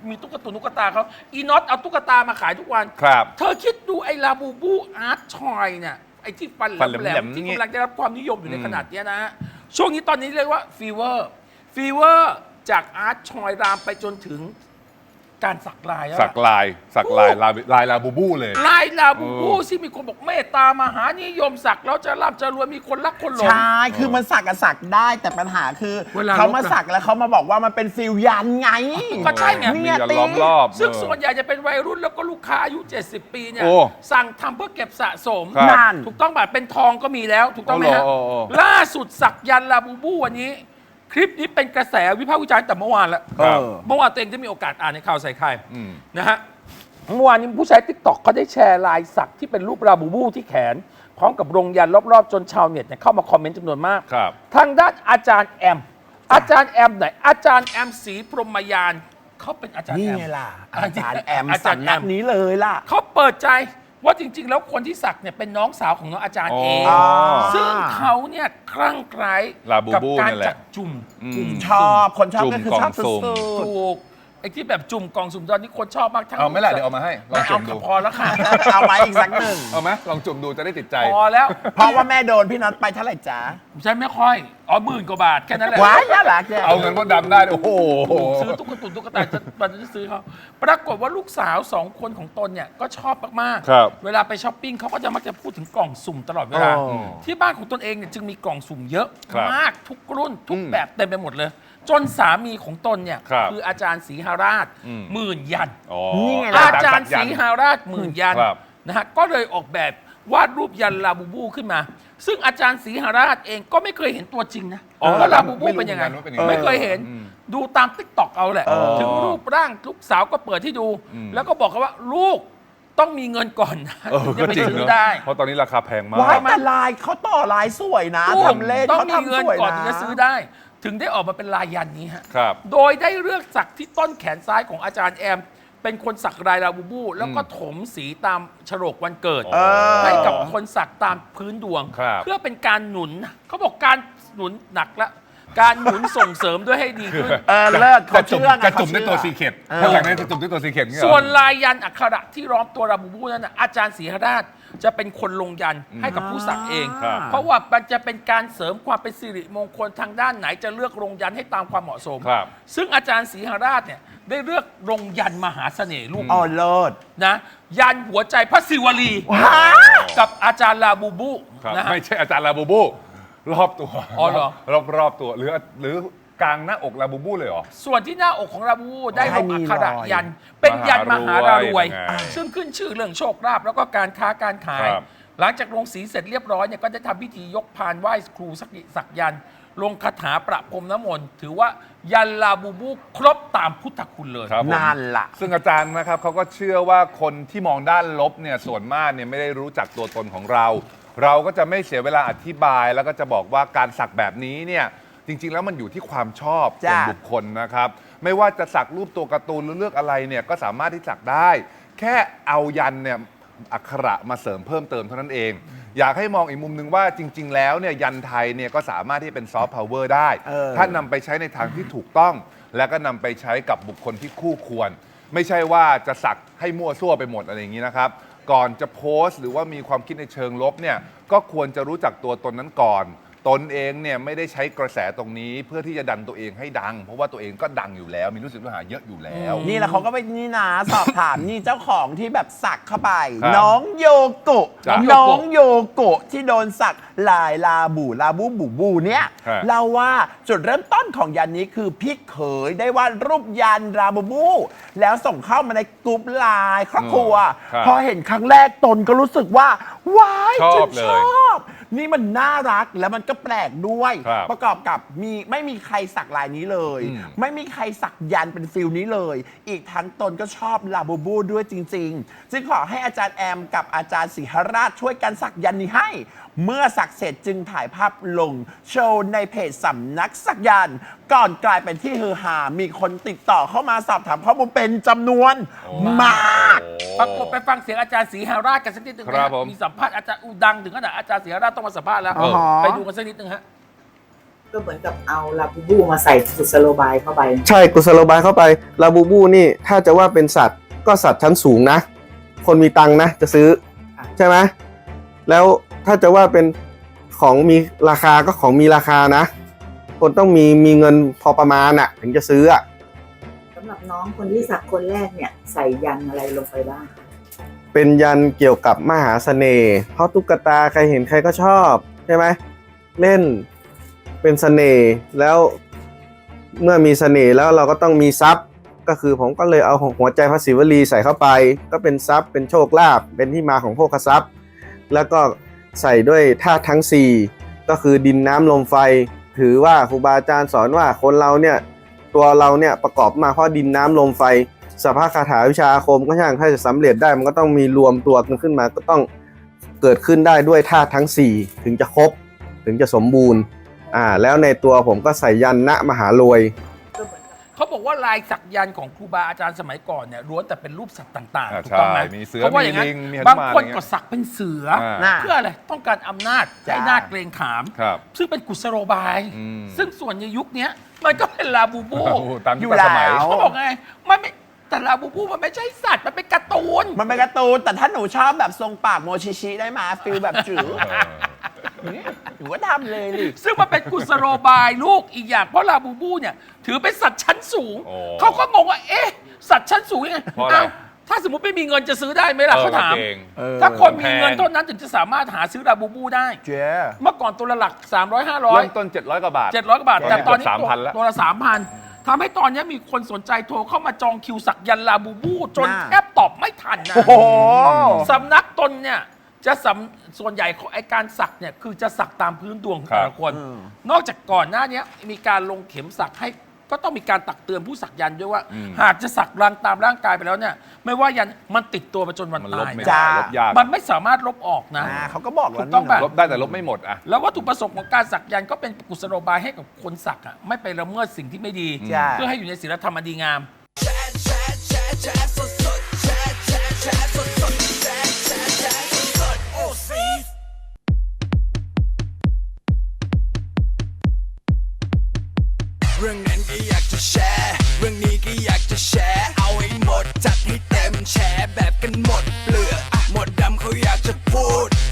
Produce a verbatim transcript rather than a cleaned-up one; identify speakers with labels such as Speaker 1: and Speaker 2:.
Speaker 1: มีตุ๊กตาตุ๊กตาเขาอีน็อตเอาตุ๊กตามาขายทุกวัน
Speaker 2: ครับ
Speaker 1: เธอคิดดูไอ้ลาบูบูอาร์ตชอยเนี่ยไอ้ที่ฟันแ
Speaker 2: ฟันแห
Speaker 1: หล
Speaker 2: ล
Speaker 1: ม
Speaker 2: ม
Speaker 1: ๆ
Speaker 2: ๆ
Speaker 1: ที่
Speaker 2: นี่
Speaker 1: กำลังได้รับความนิยมอยู่ในขนาดเนี้ยนะฮะช่วงนี้ตอนนี้เรียกว่าฟีเวอร์ฟีเวอร์จากอาร์ตชอยรามไปจนถึงการสักลายแล้ว
Speaker 2: สักลายสักลายลายลายลาบูบูเลย
Speaker 1: ลายลาบูบูที่มีคนบอกเมตตามหานิยมสักแล้วจะร่ำจะรวยมีคนรักคนหลง
Speaker 3: ใช่ คือมันสักกับสักได้แต่ปัญหาคือ
Speaker 1: เวลา
Speaker 3: เขามา
Speaker 1: ลบอะ
Speaker 3: สักแล้วเขามาบอกว่ามันเป็นฟิลยันไง
Speaker 1: ก็ใช่ไง
Speaker 2: มี
Speaker 3: เนี่ย
Speaker 2: ยัน
Speaker 3: ตี
Speaker 2: ล้อมรอบ
Speaker 1: ซึ่ง
Speaker 2: เออ
Speaker 1: ส่วนใหญ่จะเป็นวัยรุ่นแล้วก็ลูกค้าอายุ เจ็ดสิบ ปีเนี่ย
Speaker 2: โอ้
Speaker 1: สั่งทำเพื่อเก็บสะสม
Speaker 2: ครับ
Speaker 3: นั่น
Speaker 1: ถูกต้องแบบเป็นทองก็มีแล้ว ถูกต้องไหมฮะ
Speaker 2: โอ้โหโอ้โห
Speaker 1: ล่าสุดสักยันต์ลาบูบูวันนี้ คลิปนี้เป็นกระแสวิพากษ์วิจารณ์แต่เมื่อวานแล้ว
Speaker 2: ครับ
Speaker 3: เออ
Speaker 1: เมื่อวานตัวเองได้มีโอกาสอ่านในข่าวใส่ไข่
Speaker 2: อืม
Speaker 1: นะฮะเมื่อวานนี้ผู้ใช้ติ๊กต็อกเขาได้แชร์ลายสักที่เป็นรูปลาบูบูที่แขน พร้อมกับรงยันรอบๆ จนชาวเน็ตเนี่ยเข้ามาคอมเมนต์จำนวนมาก
Speaker 2: ครับ
Speaker 1: ทางด้านอาจารย์แอม อาจารย์แอมไหนอาจารย์แอมศรีพรหมยานเขาเป็นอาจารย์
Speaker 3: นี่
Speaker 1: แอม
Speaker 3: ไงล่ะ อาจารย์แอม
Speaker 1: อาจารย์
Speaker 3: สำนัก
Speaker 1: แอม
Speaker 3: นี้เลยล่ะ
Speaker 1: เขาเปิดใจว่าจริง ๆ แล้วคนที่สักเนี่ยเป็นน้องสาวของน้องอาจารย์เอง
Speaker 2: อ๋อ
Speaker 1: ซึ่งเขาเนี่ยคลั่งไคล้
Speaker 2: ลาบู
Speaker 1: กั
Speaker 2: บู
Speaker 1: การ
Speaker 2: นั่นแหละ
Speaker 1: จัดจุ่ม
Speaker 2: อืม
Speaker 1: กลุ่ม
Speaker 3: ชอบคนชอบ
Speaker 2: จุ่ม
Speaker 3: ก็คือก
Speaker 2: ล่อง
Speaker 3: ชอบสุ
Speaker 2: สุ่ม
Speaker 3: ด
Speaker 1: ถูกไอ้ที่แบบจุ่มกล่องสุ่มตอนนี้คนชอบมากทั้ง
Speaker 2: เอาไหม่ล่ะเดี๋ยวเอามาให้ลอง
Speaker 1: ไม่
Speaker 2: จุ่
Speaker 1: เอา
Speaker 2: ม
Speaker 1: ค่ะ
Speaker 2: ดู
Speaker 1: พอแล้วค่ะ
Speaker 3: ๆ เอาไว้อีกสักหนึ่ง
Speaker 2: เอาไหมลองจุ่มดูจะได้ติดใจ
Speaker 1: พอแล้ว
Speaker 3: เพราะว่าแม่โดนพี่น็อตไปเท่าไหร่จ๊ะ
Speaker 1: ฉันไม่ค่อยอ๋อหมื่นกว่าบาทแค่นั้นแหละ
Speaker 3: ว้ายน่ารักเนี่ย
Speaker 2: เอาเงินมดดำได้ โอ้โห
Speaker 1: ซื้อตุ๊กตุนตุ๊กตาจะมันจะซื้อเขาปรากฏว่าลูกสาวสองคนของตนเนี่ยก็ชอบมาก
Speaker 2: ครับ
Speaker 1: เวลาไปช้อปปิ้งเขาก็จะมักจะพูดถึงกล่องสุ่มตลอดเวลา
Speaker 3: อ๋อ
Speaker 1: ที่บ้านของตนเองเนี่ยจึงมีกล่องสุ่มเยอะ
Speaker 2: ครับ
Speaker 1: มากทุกรุ่นทุก
Speaker 2: อืม
Speaker 1: แบบเต็มไปหมดเลย จนสามีของตนเนี่ย
Speaker 2: ครับ
Speaker 1: ออาจารย์ศรีหาราช
Speaker 2: อืม
Speaker 1: หมื่นยัน
Speaker 2: อ๋อ
Speaker 3: นี่ไงล่ะ
Speaker 1: อาจารย์ศรีหาราชหมื่นยัน
Speaker 2: ครับ
Speaker 1: นะฮะก็เลยออกแบบวาดรูปยันลาบูบูขึ้นมา ซึ่งอาจารย์ศรีหาราชเองก็ไม่เคยเห็นตัวจริงนะ
Speaker 2: อ๋อ
Speaker 1: ว่าลาบูบูเป็นยังไง
Speaker 2: ไม่รู้เหมือนกันว่าเป็นยังไง
Speaker 1: ไม่เคยเห็น
Speaker 2: อืม
Speaker 1: ดูตามติ๊กต็อกเอาแหละ
Speaker 2: อ๋อ
Speaker 1: ถึงรูปร่างลูกสาวก็เปิดให้ดู
Speaker 2: อืม
Speaker 1: แล้วก็บอกเขาว่าลูกต้องมีเงินก่อนนะ
Speaker 2: เออ
Speaker 1: ถึงจะไป
Speaker 2: ก็จริง
Speaker 1: ซื้อ
Speaker 2: เนอะ
Speaker 1: ได้
Speaker 2: เพราะตอนนี้ราคาแพงมาก
Speaker 3: ว้ายแต่ลายเขาต่อลายสวยนะ
Speaker 1: ลูก
Speaker 3: ทำเล่น
Speaker 1: ต้อง
Speaker 3: เขา
Speaker 1: มีเงิ
Speaker 3: ทำ
Speaker 1: น
Speaker 3: สวย
Speaker 1: ก่อน
Speaker 3: นะ
Speaker 1: ถึงจะซื้อได้ ถึงได้ออกมาเป็นลายยันนี้ฮะ
Speaker 2: ครับ
Speaker 1: โดยได้เลือกสักที่ต้นแขนซ้ายของอาจารย์แอม เป็นคนสักลายลาบูบู แล้วก็ถมสีตามฉลกวันเกิด
Speaker 2: เออ
Speaker 1: ให้กับคนสักตามพื้นดวง
Speaker 2: ครับ
Speaker 1: เพื่อเป็นการหนุนเขาบอกการหนุนหนักละการหนุนส่งเสริมด้วยให้ดีขึ้น
Speaker 3: เออเลิศเขา
Speaker 2: จะจุ่ม
Speaker 3: เชื่อไง
Speaker 2: จะจุ่ม
Speaker 3: เขา
Speaker 2: ด้วยตัว
Speaker 3: เชื่
Speaker 2: ซี
Speaker 3: อ
Speaker 2: เค็ด
Speaker 3: เออ
Speaker 2: ถ้าอย่างนั้นจะจุ่มด้วยตัวซีเค็ดเงี้ยเหรอ
Speaker 1: ส่วนลายยันอักขระที่ล้อมตัวลาบูบูนั้นนะอาจารย์ศรีหราชจะเป็นคนลงยันให้กับผู้สักเอง
Speaker 2: ครับ
Speaker 1: เพราะว่ามันจะเป็นการเสริมความเป็นสิริมงคลทางด้านไหนจะเลือกลงยันให้ตามความเหมาะสม
Speaker 2: ครับ
Speaker 1: ซึ่งอาจารย์ศรีหราชเนี่ยได้เลือกลงยันมหาเสน่ห์ลูก
Speaker 3: อ๋อเลิศ
Speaker 1: นะยันหัวใจพระศิวลี
Speaker 3: ว้า
Speaker 1: กับอาจารย์ลาบูบู
Speaker 2: ครับ
Speaker 1: นะฮะ
Speaker 2: ไม่ใช่อาจารย์ลาบูบู รอบตัว
Speaker 1: อ๋อเหรอ
Speaker 2: รอบรอบตัวหรือหรือกลางหน้าอกลาบูบูเลยเหรอ
Speaker 1: ส่วนที่หน้าอกของลาบูบูได้ลง
Speaker 3: ให้มี
Speaker 1: อักขระ
Speaker 3: รอย
Speaker 1: ยัน เป็นยันมหารารวย
Speaker 2: มหารวย
Speaker 1: ซึ่งขึ้นชื่อเรื่องโชคลาภแล้วก็การค้าการขาย
Speaker 2: ครับ
Speaker 1: หลังจากลงสีเสร็จเรียบร้อยเนี่ยก็ได้ทำพิธียกพานไหว้ครูสักสักยันต์ลงคาถาประพรมน้ำมนต์ถือว่ายันลาบูบูครบตามพุทธคุณเลย
Speaker 2: ครับผม
Speaker 3: นั่นล่ะ
Speaker 2: ซึ่งอาจารย์นะครับเขาก็เชื่อว่าคนที่มองด้านลบเนี่ยส่วนมากเนี่ยไม่ได้รู้จักตัวตนของเรา เราก็จะไม่เสียเวลาอธิบาย แล้วก็จะบอกว่าการสักแบบนี้เนี่ยจริง ๆ แล้วมันอยู่ที่ความชอบส่วน
Speaker 3: จ้ะ
Speaker 2: บุคคลนะครับ ไม่ว่าจะสักรูปตัวการ์ตูนหรือเลือกอะไรเนี่ยก็สามารถที่สักได้ แค่เอายันเนี่ยอักขระมาเสริมเพิ่มเติมเท่านั้นเอง อยากให้มองอีกมุมหนึ่งว่าจริง ๆ แล้วเนี่ยยันไทยเนี่ยก็สามารถที่เป็นซอฟต์พาวเวอร์ได้
Speaker 3: เออ
Speaker 2: ถ้านำไปใช้ในทางที่ถูกต้อง แล้วก็นำไปใช้กับบุคคลที่คู่ควร ไม่ใช่ว่าจะสักให้มั่วซั่วไปหมดอะไรอย่างนี้นะครับ ก่อนจะโพสต์หรือว่ามีความคิดในเชิงลบเนี่ยก็ควรจะรู้จักตัวตนนั้นก่อน ตนเองเนี่ยไม่ได้ใช้กระแสตรงนี้เพื่อที่จะดันตัวเองให้ดัง เพราะว่าตัวเองก็ดังอยู่แล้ว มีลูกศิษย์ลูกหาเยอะอยู่แล้ว
Speaker 3: นี่แหละเขาก็ไปนี่นะสอบถามนี่เจ้าของที่แบบสักเข้าไป
Speaker 2: ครับ
Speaker 3: น้องโยโกะ
Speaker 2: จ้ะ
Speaker 3: น้องโยโกะที่โดนสักลายลาบูลาบูบูบูเนี่ย
Speaker 2: ฮะ
Speaker 3: เล่าว่าจุดเริ่มต้นของยันนี้คือพี่เขยได้วาดรูปยันลาบูบู แล้วส่งเข้ามาในกลุ่มไลน์ครอบครัว
Speaker 2: ครับ
Speaker 3: พอเห็นครั้งแรกตนก็รู้สึกว่าว้าย
Speaker 2: ชอบ
Speaker 3: ฉัน
Speaker 2: เลย
Speaker 3: ชอบ นี่มันน่ารักแล้วมันก็แปลกด้วย
Speaker 2: ครับ
Speaker 3: ประกอบกับมีไม่มีใครสักลายนี้เลย
Speaker 2: อืม
Speaker 3: ไม่มีใครสักยันเป็นฟิลนี้เลย อีกทั้งตนก็ชอบลาบูบูด้วยจริงๆ จึงขอให้อาจารย์แอมกับอาจารย์ศรีหราชช่วยกันสักยันนี้ให้ เมื่อสักเสร็จจึงถ่ายภาพลง โชว์ในเพจสำนักสักยันต์ก่อนกลายเป็นที่ฮือฮา มีคนติดต่อเข้ามาสอบถามข้อมูลเป็นจำนวนมาก
Speaker 1: ปรากฏไปฟังเสียงอาจารย์ศรีหราชกันสักนิดหนึ่ง
Speaker 2: ครับ
Speaker 1: นะ
Speaker 2: ผม
Speaker 1: มีสัมภาษณ์อาจารย์อูดังถึงขนาดอาจารย์ศรีหราชต้องมาสัมภาษณ์แล้ว
Speaker 3: อ๋อ
Speaker 1: ไปดูกันสักนิดหนึ่งฮะ
Speaker 4: ก็เหมือนกับเอาลาบูบูมาใส่กุศโลบายเข้าไป
Speaker 5: ใช่กุศโลบายเข้าไปลาบูบูนี่ถ้าจะว่าเป็นสัตว์ก็สัตว์ชั้นสูงนะ คนมีตังค์นะจะซื้อใช่ไหมแล้วถ้าจะว่าเป็นของมีราคาก็ของมีราคานะ คนต้องมีมีเงินพอประมาณอะถึงจะซื้ออะ
Speaker 4: สำหรับน้องคนที่สักคนแรกเนี่ยใส่ยันอะไรลงไปบ้าง
Speaker 5: เป็นยันเกี่ยวกับมหาเสน่ห์เพราะตุ๊กตาใครเห็นใครก็ชอบใช่ไหมเล่นเป็นเสน่ห์แล้วเมื่อมีเสน่ห์แล้วเราก็ต้องมีทรัพย์ก็คือผมก็เลยเอาหัวใจพระศิวลีใส่เข้าไปก็เป็นทรัพย์เป็นโชคลาภเป็นที่มาของโภคทรัพย์แล้วก็ใส่ด้วยธาตุทั้งสี่ก็คือดินน้ำลมไฟถือว่าครูบาอาจารย์สอนว่าคนเราเนี่ยตัวเราเนี่ยประกอบมาเพราะดินน้ำลมไฟสภาคาถาวิชาอาคมก็ช่างถ้าจะสำเร็จได้มันก็ต้องมีรวมตัวกันขึ้นมาก็ต้องเกิดขึ้นได้ด้วยธาตุทั้งสี่ถึงจะครบถึงจะสมบูรณ์อ่าแล้วในตัวผมก็ใส่ยันณมหารวย
Speaker 1: เขาบอกว่าลายสักยันต์ของครูบาอาจารย์สมัยก่อนเนี่ยล้วนแต่เป็นรูปสัตว์ต่าง
Speaker 2: อ่า
Speaker 1: ๆถูกต้องไหม
Speaker 2: ใช่มีเสือ
Speaker 1: เพราะว่าอย่างนั้น
Speaker 2: มีลิงมีหนุมาน
Speaker 1: บางคน
Speaker 2: อะไรเงี้ย
Speaker 1: ก็สักเป็นเสือ
Speaker 2: อ่า
Speaker 1: เพื่ออะไรต้องการอำนาจ
Speaker 3: จ้า
Speaker 1: ให้นาจเกรงขาม
Speaker 2: ครับ
Speaker 1: ซึ่งเป็นกุศโลบาย
Speaker 2: อืม
Speaker 1: ซึ่งส่วนในยุคเนี้ยมันก็เป็นลาบูบู
Speaker 2: โอ้โหตาม
Speaker 3: อยู่
Speaker 2: ยุคสมัย
Speaker 3: แล้ว
Speaker 1: เขาบอกไงมันไม่แต่ลาบูบูมันไม่ใช่สัตว์มันเป็นการ์ตูน
Speaker 3: มันเป็นการ์ตูนแต่ถ้าหนูชอบแบบทรงปากโมชิชิได้มาฟิลแบบจื๋อหนูก็ทำเลยดิ
Speaker 1: ซึ่งมันเป็นกุศโลบายลูกอีกอย่างเพราะลาบูบูเนี่ยถือเป็นสัตว์ชั้นสูง
Speaker 2: โอ้
Speaker 1: เขาก็งงว่าเอ๊ะสัตว์ชั้นสูงยังไง
Speaker 2: เพราะอะไร
Speaker 1: อ้าวถ้าสมมติไม่มีเงินจะซื้อได้ไหมล่ะเขาถาม
Speaker 2: เออเก่ง
Speaker 1: ถ้าคนมีเงิน
Speaker 2: แพง
Speaker 1: เท่านั้นถึงจะสามารถหาซื้อลาบูบูได้
Speaker 3: เจ๊
Speaker 1: เมื่อก่อนตัวละหลัก สามร้อย ห้าร้อย
Speaker 2: เริ่มต้นเจ็ดร้อยกว่าบาท
Speaker 1: เจ็ดร้อยกว่าบาท แต่ตอนนี้
Speaker 2: เกือบ
Speaker 1: ตัว
Speaker 2: สามพันแล้ว
Speaker 1: ตัวละสามพันทำให้ตอนนี้มีคนสนใจโทรเข้ามาจองคิวสักยันต์ลาบูบู จน
Speaker 3: น่า
Speaker 1: แทบตอบไม่ทันนะ
Speaker 3: โอ้โห
Speaker 1: สำนักตนเนี่ยจะสำส่วนใหญ่ของไอการสักเนี่ยคือจะสักตามพื้นดวงของแต่ละคน
Speaker 3: อืม
Speaker 1: นอกจากก่อนหน้านี้มีการลงเข็มสักให้ก็ต้องมีการตักเตือนผู้สักยันต์ด้วยว่า
Speaker 2: อืม
Speaker 1: หากจะสักรังตามร่างกายไปแล้วเนี่ยไม่ว่ายันมันติดตัวมาจนวัน
Speaker 2: มันลบ
Speaker 1: ตาย
Speaker 2: ไม่
Speaker 1: นะ
Speaker 2: ได้
Speaker 3: จ้า
Speaker 2: ลบยาก
Speaker 1: มันไม่สามารถลบออกนะ
Speaker 3: อ่าเขาก็บอกแล้ว
Speaker 1: ถูกต้อง
Speaker 3: นี่
Speaker 1: ป่ะ
Speaker 3: เน
Speaker 2: ล
Speaker 3: อะ
Speaker 2: บได้แต่ลบไม่หมดอะ
Speaker 1: แล้ววัตถุประสงค์ของการสักยันต์ก็เป็นกุศโลบายให้กับคนสักอ่ะไม่ไปละเมิดสิ่งที่ไม่ดี
Speaker 3: ใช่
Speaker 1: เพื่อให้อยู่ในศีลธรรมอันดีงาม
Speaker 6: เรื่องนั้นก็อยากจะแชร์ เรื่องนี้ก็อยากจะแชร์ เอาให้หมดจัดให้เต็มแชร์แบบกันหมดเปลือกอะหมดดำเขาอยากจะพูด